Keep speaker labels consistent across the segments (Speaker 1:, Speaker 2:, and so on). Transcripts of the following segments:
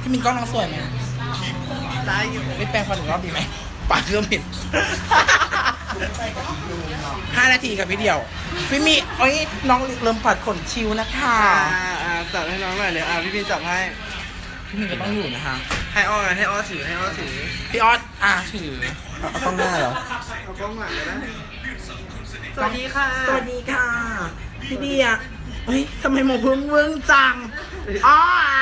Speaker 1: พี่มินกล้องน้องสวยไหม
Speaker 2: ได้อยู่
Speaker 1: ไม่แปลงฟันอีกรอบดีไหมปากเริ่มผิด5 นาทีกับพี่เดียวพี่มีโอ้ยน้องเริ่มปัดขนชิวนะคะ
Speaker 2: จับให้น้องหน่อยเลยพี่พีจับให้
Speaker 1: พี่มินก็ต้องอยู่นะคะ
Speaker 2: ให้อ้อถือให้อ้อถือ
Speaker 1: พี่ออสถือ
Speaker 3: เอากล้องหน้าเหรอ
Speaker 2: เอากล้องหลังเลยนะสวัสดีค่ะ
Speaker 1: สวัสดีค่ะ พี่เดียเฮ้ยทำไมหมอพึ่งเวิ้งจังอ๋อ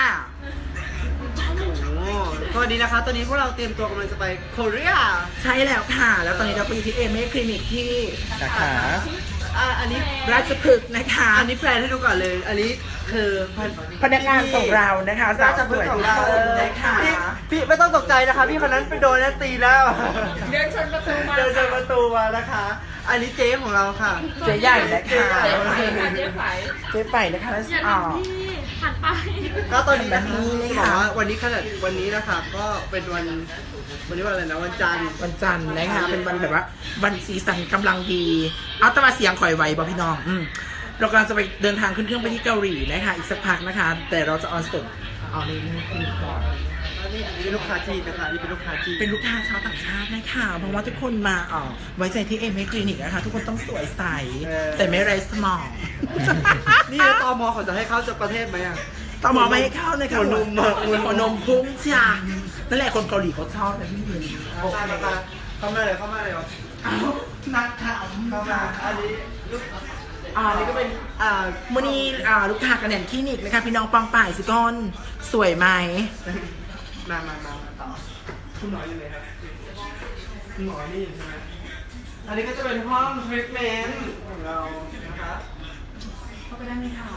Speaker 2: สวัสดีนะคะตอนนี้พวกเราเตรียมตัวกำลังจะไปโคเรีย
Speaker 1: ใช่แล้วค่ะ แล้วตอนนี้เราไปอยู่ที่เอเมคลินิกที่
Speaker 3: สาขา
Speaker 2: อันนี้
Speaker 1: ราชพฤกษ์นะคะ
Speaker 2: อันนี้แพลนให้ดูก่อนเลย อันนี้คือ
Speaker 1: พนักงานของเรานะคะสา
Speaker 2: ราว ช
Speaker 1: ส
Speaker 2: พฤก
Speaker 1: วย
Speaker 2: ษ์ข
Speaker 1: ทุ
Speaker 2: อง
Speaker 1: ก
Speaker 2: เรา
Speaker 1: คนนะคะ
Speaker 2: พี่ไม่ต้องตกใจนะคะพี่คนนั้นไปโดนแล้วตีแล้ว
Speaker 4: เดินชนประตูมา
Speaker 2: เดินชนประตูมานะคะ อันนี้เจ๊ของเราค่ะ
Speaker 1: เจ๊ใหญ่นะคะ
Speaker 4: เจ๊ไฝค่ะเจ๊ไฝ
Speaker 1: เจ๊ไปนะคะแล้ว
Speaker 4: อย่า
Speaker 1: อ๋อ
Speaker 4: ทำพี่หันไป
Speaker 2: ก็ตอนนี้นะคะ
Speaker 1: นี่
Speaker 2: จะ
Speaker 1: ค่ะ
Speaker 2: บอกว่าวันนี้ขนาดวันนี้นะคะก็เป็นวันนี้วันอะไรนะวันจันทร์
Speaker 1: วันจันทร์นะคะเป็นวันแบบว่าวันสีสันกำลังดี เอาแต่มาเสียงข่อยไวบ่พี่น้องเรากำลังจะไปเดินทางขึ้นเครื่องไปที่เกาหลีนะคะอีกสักพักนะคะ แต่เราจะออนสดเอาในนี้ก่อน
Speaker 2: อันนี้เป็นลูกค้าจีนนะคะนี่เป็นลูกค้าจีน
Speaker 1: เป็นลูกค้าชาวต่างชาตินะคะเพราะว่าทุกคนมาไว้ใจที่เอเมคลินิกนะคะทุกคนต้องสวยใสแต่ไม่ไร้สมอง
Speaker 2: นี่ตมเขาจะให้เข้าจากประเทศไหมอ่ะ
Speaker 1: ต่อหมอไม่ให้เข้าเลยค่ะ
Speaker 2: หัวนมอะ
Speaker 1: หัวนมพุ่งจ้านั่นแหละคนเกาหลีเขาชอบแต่พี่มิน
Speaker 2: เข้ามาเลยเข้ามาเลย
Speaker 1: เอานักข่าว
Speaker 2: เข้ามาอันนี้ลูก
Speaker 1: นี่ก็เป็น มื่อนี้ลูกค้ากันแหนคลินิกนะคะพี่น้องปองป่ายสิก้อนสวยไหม
Speaker 2: มาต่อคุณหมออยู่ไหนครับคุณหมอนี่ใช่ไหมอันนี้ก็จะเป็นห้องทรีทเมนต์ของเรานะครับ
Speaker 1: เข้าไปได้ไหมคะ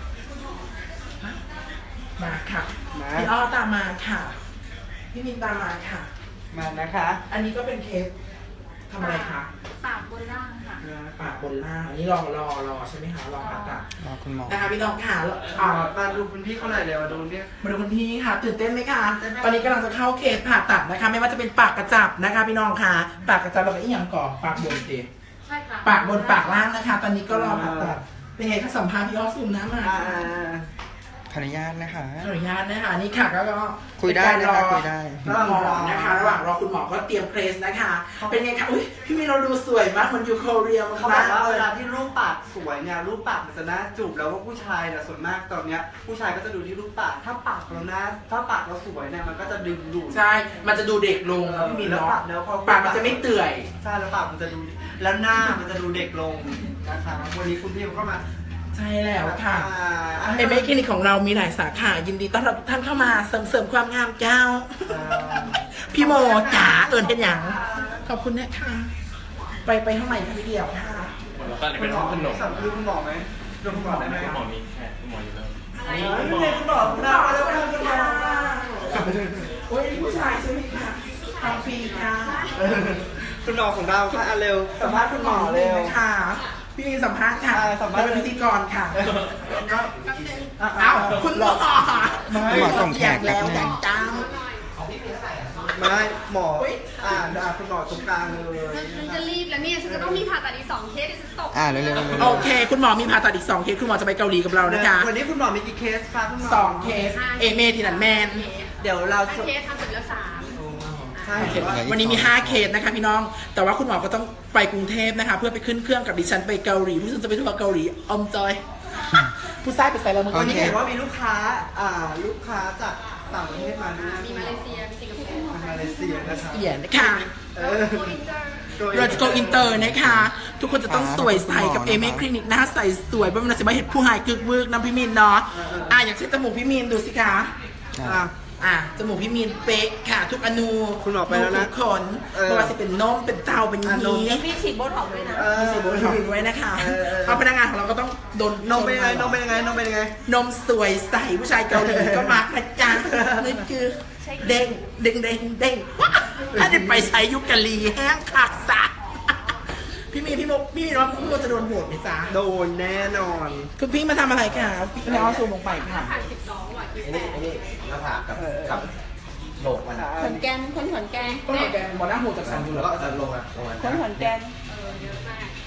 Speaker 1: มาค่ะพี่อ้อตามมาค่ะพี่มินตามมาค่ะ
Speaker 2: มานะคะ
Speaker 1: อันนี้ก็เป็นเคสทำอะไรคะ
Speaker 4: ปากบนล่างค่ะ
Speaker 1: ปากบนล่างอันนี้รอใช่ไหมคะรอผ่าตัด
Speaker 3: รอคุณหมอ
Speaker 1: นะคะพี่น้องค่ะ
Speaker 2: มาดูคุณพี่เขาหน่อยเดี๋ยวมาดูเนี่ย
Speaker 1: มาดูคุณพี่ค่ะตื่นเต้นไหมคะตอนนี้กำลังจะเข้าเคสผ่าตัดนะคะ ไม่ว่าจะเป็นปากกระจับนะคะ พี่น้องค่ะปากกระจับแล้วก็อีกอย่างก่อนปากบนสิ
Speaker 4: ใช่ค่ะ
Speaker 1: ปากบนปากล่างนะคะ ตอนนี้ก็รอผ่าตัดเป็นไงคะสัมภาษณ์พี่อ้อซูมน้ำมา
Speaker 3: ขออนุญาตนะคะ
Speaker 1: ขออนุญาตนะคะนี่ค่ะก็
Speaker 3: คุยได้นะคะคุยได้
Speaker 1: ระหว่างรอนะคะระหว่างรอคุณหมอก็เตรียมเพรสนะคะ เป็นไงคะอุ้ยพี่มีเราดูสวยมากเหมันอยู่โคเรีย
Speaker 2: เขาบอกว่าเวลาที่รูปปากสวยเนี่ยรูปปากมันจะน่าจูบแล้วว่าผู้ชายเนี่ยส่วนมากตอนเนี้ยผู้ชายก็จะดูที่รูปปากถ้าปากเราหน้าถ้าปากเราสวยเนี่ยมันก็จะดึงดูด
Speaker 1: ใช่ มันจะดูเด็กลงแล้วพี่มี
Speaker 2: แล้ว
Speaker 1: เนาะ
Speaker 2: ปากแล้วพอ
Speaker 1: ปากมันจะไม่เตื่อย
Speaker 2: ใช่แล้วปากมันจะดูแล้วหน้ามันจะดูเด็กลงนะคะวันนี้คุณพี่เขาก็มา
Speaker 1: ใช่แล้วค่ะเอเมคลินิกของเรามีหลายสาขายินดีต้อนรับทุกท่านเข้ามาเสริมความงามเจ้า พี่โมจ๋าเอิญเป็นอย่างขอบคุณนะคะไปห้องไหนคะพี่เดียวค่ะ
Speaker 5: แล้วก็เป็นห้องขนม
Speaker 2: สั่งดูคุณหมอไหมดูคุณหมอได้ไหม
Speaker 5: คุณหมอมีแขกคุณหมออยู่แล้ว
Speaker 2: นี่คุณหมอคุณหมอแล้วคุณหมอ
Speaker 1: โอ้ยผู้ชายใช่ไหมคะทำฟรีค่ะ
Speaker 2: คุณหมอของเราค่ะเร็ว
Speaker 1: สัมภาษณ์คุณหมอเร็วค่ะพี่มีสัมภาษณ์ค่ะ
Speaker 2: สัมภาษณ์
Speaker 1: เป็นพิธีกรค่ะอ้าวคุณหมอ
Speaker 3: คุณหมอส่งแขกแป๊บ
Speaker 1: แล้ว
Speaker 3: นึ
Speaker 1: แต่
Speaker 3: ง
Speaker 1: จัง
Speaker 2: ไม่หมอคุณหมอตรงกลางเลย
Speaker 4: ฉันจะรีบแล้วเนี่ย ฉันจะต้องมีผ่าตัดอีก2 เคสเดี๋ยวฉันตก
Speaker 3: เร็วๆ
Speaker 1: โอเค คุณหมอมีผ่าตัดอีก2 เคสคุณหมอจะไปเกาหลีกับเรานะคะ
Speaker 2: วันนี้คุณหมอมีกี่เคสคะคุณหมอ
Speaker 1: 2 เคสเอเมทีนันแมน
Speaker 2: เดี๋ยวเรา
Speaker 4: 5 เคสทำเสร็จแล้ว3
Speaker 2: ใช่
Speaker 1: วันนี้มี5 เคสนะคะพี่น้อง แต่ว่าคุณหมอก็ต้องไปกรุงเทพนะคะ เพื่อไปขึ้นเครื่องกับดิฉันไปเกาหลีผู้ชมจะไปทัวร์เกาหลีอมจอย ผู้ชายไปใส่แล้วมึง
Speaker 2: วันนี้เห็นว่ามีลูกค้าจากต่างประเทศมาด้วย
Speaker 4: มีมาเลเซีย มีสิงคโปร์
Speaker 2: มาเลเซียนะคะ
Speaker 1: เสียนะคะ
Speaker 4: โกอินเตอร์
Speaker 1: เราจะ go inter นะคะ ทุกคนจะต้องสวยใสกับเอเมคลินิกหน้าใสสวยเพราะมันจะมาเห็นผู้หายกึกวึกนะพี่มินเนาะอย่างเช่นจมูกพี่มินดูสิคะ จมูกพี่มีนเป๊ะค่ะ ทุกอนู
Speaker 2: คุณหมอไปแล้วนะ
Speaker 1: ทุกขนไม่ว่าจะเป็นนมเป็นเตาเป็นยี
Speaker 4: มีฉีดโบท็อกซ์ด้วยนะ
Speaker 1: มีสีโบท็อกซ์ด้วยนะคะเอาพนักงานของเราก็ต้องโดน
Speaker 2: นมเป็นยังไงนมเป็นยังไงนมเป็นยังไง
Speaker 1: นมสวยใสผู้ชายเกาหลีก็มานะจ๊ะนี่คือเด้งเด้งเด้งเด้งถ้าได้ไปใช้ยุคกะลีแห้งขักสัตว์พี่มีว่าพี่โมจะโดนโหวตไหมจ๊ะ
Speaker 2: โดนแน่นอน
Speaker 1: คุณพี่มาทำอะไรค่ะพี่น้องซูมลงไปค่ะ
Speaker 4: ผ่าน12 ว่ะ
Speaker 3: หน้าผากกับโหลกมัน
Speaker 4: ขอนแกนคนขอนแกน
Speaker 1: ก็เหมือนกันหมอหน้าหูจากสันอยู่
Speaker 3: แล้วก็จะลงมา
Speaker 4: คนขอนแกน
Speaker 2: เ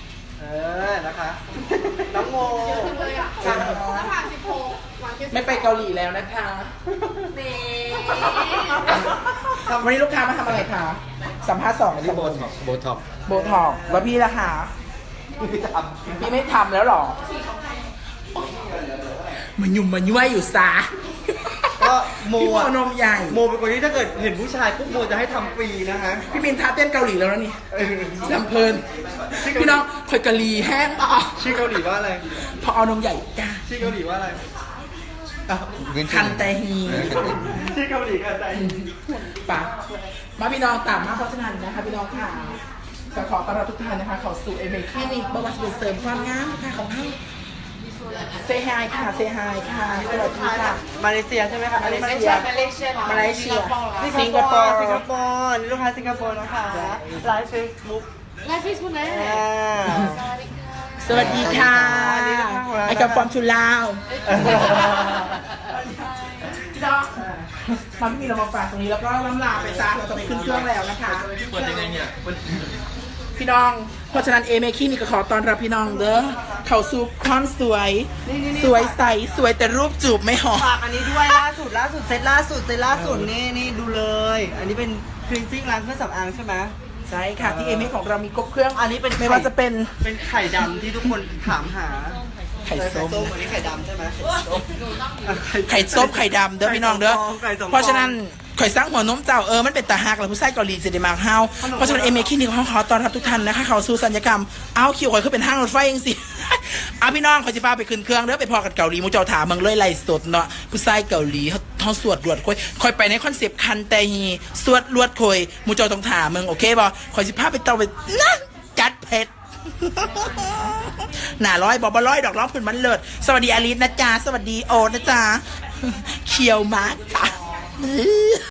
Speaker 2: นะคะ น้องโม
Speaker 4: เลยอ่ะ
Speaker 2: ครับ
Speaker 4: หน้าผาก16 วันที่
Speaker 1: ไม่ไปเกาหลีแล้วนะคะ
Speaker 4: เม
Speaker 1: วันนี้ลูกค้ามาทำอะไรคะสัมภาษณ์สอง
Speaker 3: ที่โบท็อกโบท็อก
Speaker 1: โบท็อกแล้วพี่ล่ะคะ
Speaker 3: ไม่ท
Speaker 1: พี่ไม่ทำแล้วหรอมันยุ่มมันย้วยอยู่ซะ
Speaker 2: ำก็โม
Speaker 1: พี่โม
Speaker 2: อะ
Speaker 1: นมใหญ่
Speaker 2: โมเป็นคนที่ถ้าเกิดเห็นผู้ชายปุ๊บโมจะให้ทำฟรีนะคะ
Speaker 1: พี่มินท้าเต้นเกาหลีแล้วนะนี่ลำเพลินพี่น้องคอยกะลีแห้งต่อ
Speaker 2: ชื่อเกาหลีว่าอะไร
Speaker 1: พอเอานมใหญ่จ้า
Speaker 2: ชื่อเกาหลีว่าอะไรอ้าว
Speaker 1: คันแต่ฮี
Speaker 2: ชื่อเกาหลีกันใจ
Speaker 1: ปะมาพี่น้องตามมาเพราะฉะนั้นนะคะพี่น้องค่ะก็ขอต้อนรับทุกท่านนะคะเข้าสู่เอเมคลินิกบำบัดเสริมความงามค่ะของเราเซฮายค่ะเซฮายค่ะสวัสดีค่ะ
Speaker 2: มาเลเซียใช่ไหมคะ
Speaker 1: มาเลเซีย มาเลเซีย
Speaker 2: สิงคโปร์สิงคโปร์นี่ลูกค้าสิงคโปร์นะคะไลฟ์เฟซบุ๊ก
Speaker 4: ไลฟ์เฟซบุ๊กไหน
Speaker 1: สวัสดีค่ะไอ้กับฟอร์มทูลาวพี่น้องมาพี่มีเรามาฝากตรงนี้แล้วก็ล่ำลาไปซะเราจะไปขึ้นเครื่องแล้วนะคะ
Speaker 5: เปิดยังไงเนี่ย
Speaker 1: พี่น้อง เพราะฉะนั้นเอเมคีนี่ก็ขอต้อนรับพี่น้องเด้อเข้าสู่ความสวย สวยใส สวยแต่รูปจูบไม่หอม
Speaker 2: ฝากอันนี้ด้วยล่าสุดเซตล่าสุดนี่ดูเลย อันนี้เป็นคลีนซิ่งล้างเครื่องสำอางใช่ไหม
Speaker 1: ใช่ค่ะ ที่เอเมของเรามีครบเครื่อง
Speaker 2: อันนี้เป็น
Speaker 1: ไม่ว่าจะเป็น
Speaker 2: เป็นไข่ดำที่ทุกคนถามหา
Speaker 1: ไข่ส้ม
Speaker 2: อันนี้ไข่ดำใช่ไหม
Speaker 1: ไข่ส้มไข่ดำเด้อพี่น้องเด้อ
Speaker 2: ไข่สองฟอง
Speaker 1: เพราะฉะนั้นข่อยสร้างหัวนมเจ้ามันเป็นตาหักแล้วผู้ชายเกาหลีจะได้มากเฮาเพราะฉะนั้นเอเมคลินิกของเขาต้อนรับทุกท่านนะคะเขาสู่สัญญกรรมเอาคิวข่อยคือเป็นห้างรถไฟเองสิ เอาพี่น้องข่อยสิพาไปขึ้นเครื่องเด้อไปพอกันเกาหลีหมูเจ้าถามเมืองเลยไล่สดเนาะผู้ชายเกาหลีเขาสวดรวดข่อยไปในคอนเซปต์คันแต่ฮีสวดรวดข่อยหมูเจ้าต้องถามเมืองโอเคบ่ข่อยสิพาไปเตาไปนะจัดเผ็ด หน่าร้อยบอกบ่ร้อยดอกร้องพื้นมันเลิศสวัสดีอลิสนะจ๊ะสวัสดีโอนะจ๊ะเขียวมากจ้ะ